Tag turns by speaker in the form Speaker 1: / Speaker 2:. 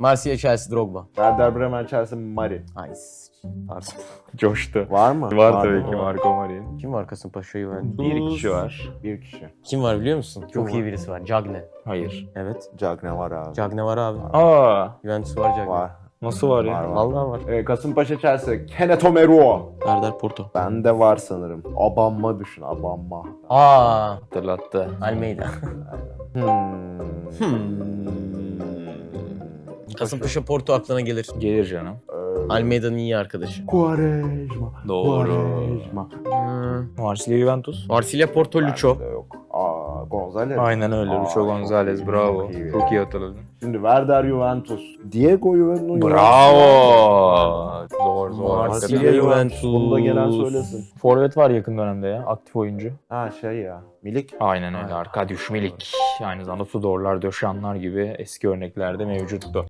Speaker 1: Marsilya, Chelsea, Drogba.
Speaker 2: Werder Bremen, Chelsea, Mari.
Speaker 1: Ay, pardon.
Speaker 3: Coştu.
Speaker 2: Var mı?
Speaker 3: Var
Speaker 2: Var
Speaker 3: tabii
Speaker 2: mı?
Speaker 3: ki Marco Marin.
Speaker 1: Kim var Kasımpaşa'yı ben?
Speaker 3: Bir kişi var.
Speaker 2: Bir kişi.
Speaker 1: Kim var biliyor musun? Çok
Speaker 2: var?
Speaker 1: iyi birisi var. Cagne.
Speaker 3: Hayır.
Speaker 1: Evet.
Speaker 2: Cagne var abi.
Speaker 1: Cagne var abi.
Speaker 3: Aa,
Speaker 1: Juventus var Cagne.
Speaker 2: Var.
Speaker 3: nasıl var ya?
Speaker 2: Var, var.
Speaker 1: Vallahi var.
Speaker 2: Kasımpaşa, Chelsea, Kenneth Omeruo.
Speaker 1: Serdar Porto.
Speaker 2: Bende var sanırım. Abanma düşün, abanma.
Speaker 1: Aa,
Speaker 3: Hatırlattı.
Speaker 1: Almeida. Kasımpaşa Porto aklına gelir.
Speaker 3: Gelir canım.
Speaker 1: Almeida'nın iyi arkadaşı.
Speaker 2: Quaresma.
Speaker 3: Doğru.
Speaker 2: Quaresma.
Speaker 3: Marsilya Juventus.
Speaker 1: Marsilya Porto Lucho.
Speaker 2: Bende yok. Gonzalez.
Speaker 3: Aynen öyle. Lucho
Speaker 2: çok
Speaker 3: Gonzalez.
Speaker 2: iyi,
Speaker 3: Bravo.
Speaker 2: çok iyi.
Speaker 3: Çok iyi hatırladın.
Speaker 2: Şimdi Werder Juventus. Diego Juventus.
Speaker 3: Bravo. Zor zor.
Speaker 1: Marsilya
Speaker 3: Hakikaten.
Speaker 1: Juventus.
Speaker 2: Bunu da gelen söylesin.
Speaker 3: Forvet var yakın dönemde ya. Aktif oyuncu.
Speaker 2: Ha şey ya. Milik.
Speaker 3: Aynen öyle. Arkadiusz Milik. Aynı zamanda Tudorlar, Döşanlar gibi eski örneklerde mevcuttu.